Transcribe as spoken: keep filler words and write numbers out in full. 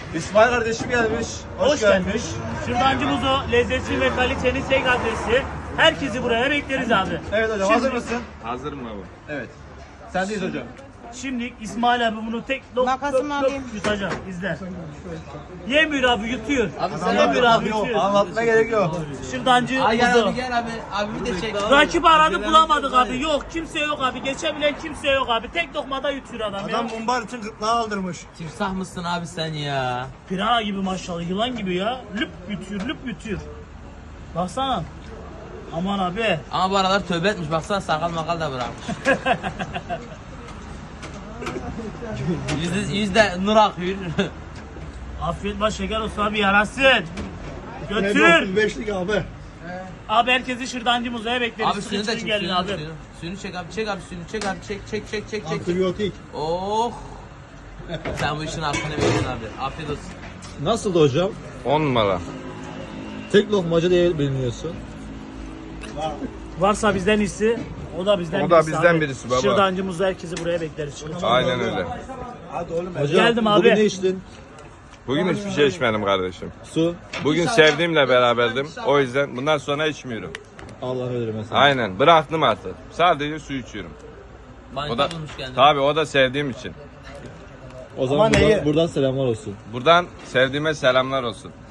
İsmail kardeşim gelmiş. Hoş, Hoş gelmiş. Şırdancımızı, lezzeti ve kalitenin tek adresi. Herkesi buraya bekleriz abi. Evet hocam, Şimdi- hazır mısın? Hazırım abi. Evet. Sendeyiz hocam. Şimdi İsmail abi bunu tek lok Makasımı lok lok alayım. yutacak. İzle. Yemiyor abi, yutuyor. Abi sen Yemiyor abi, Yok, yutuyor. anlatmaya gerek yok. Şırdancı Ay gel kuzu. abi gel abi. Abi bir de çek. Rakip aradı bulamadık abi. Yok, kimse yok abi. Geçebilen kimse yok abi. Tek lokmada yutuyor adam, ya. mumbar için gırtlağı aldırmış. Timsah mısın abi sen ya? Pirana gibi maşallah, yılan gibi ya. Lüp yutuyor, lüp yutuyor. Baksana. Aman abi. Ama bu aralar tövbe etmiş. Baksana sakal makal da bırakmış. yüzde, yüzde nur akıyor. Afiyet baş şeker olsun abi, yarasın. Götür. beşlik abi. Abi herkesi Şırdancı Muzo'ya bekleriz. Abi suyunu da çek. gelin Suyunu, abi. suyunu. Suyunu çek abi. Çek abi suyunu. Çek abi. Çek çek çek çek çek. Antibiyotik. Oh. Sen bu işin hakkını verin abi. Afiyet olsun. Nasıldı hocam? on numara. Tek lokmacı diye biliniyorsun. Varsa bizden iyisi, o da bizden O da birisi bizden abi. birisi baba. Şırdancı Muzo, herkesi buraya bekleriz. Aynen öyle. Hocam, Geldim abi. bugün ne içtin? Bugün hiçbir şey içmedim kardeşim. Su. Bugün sevdiğimle beraberdim. O yüzden bundan sonra içmiyorum. Allah'ını verir mesela. Aynen. Bıraktım artık. Sadece su içiyorum. O da Manita bulmuş kendini. tabii o da sevdiğim için. O zaman buradan, buradan selamlar olsun. Buradan sevdiğime selamlar olsun.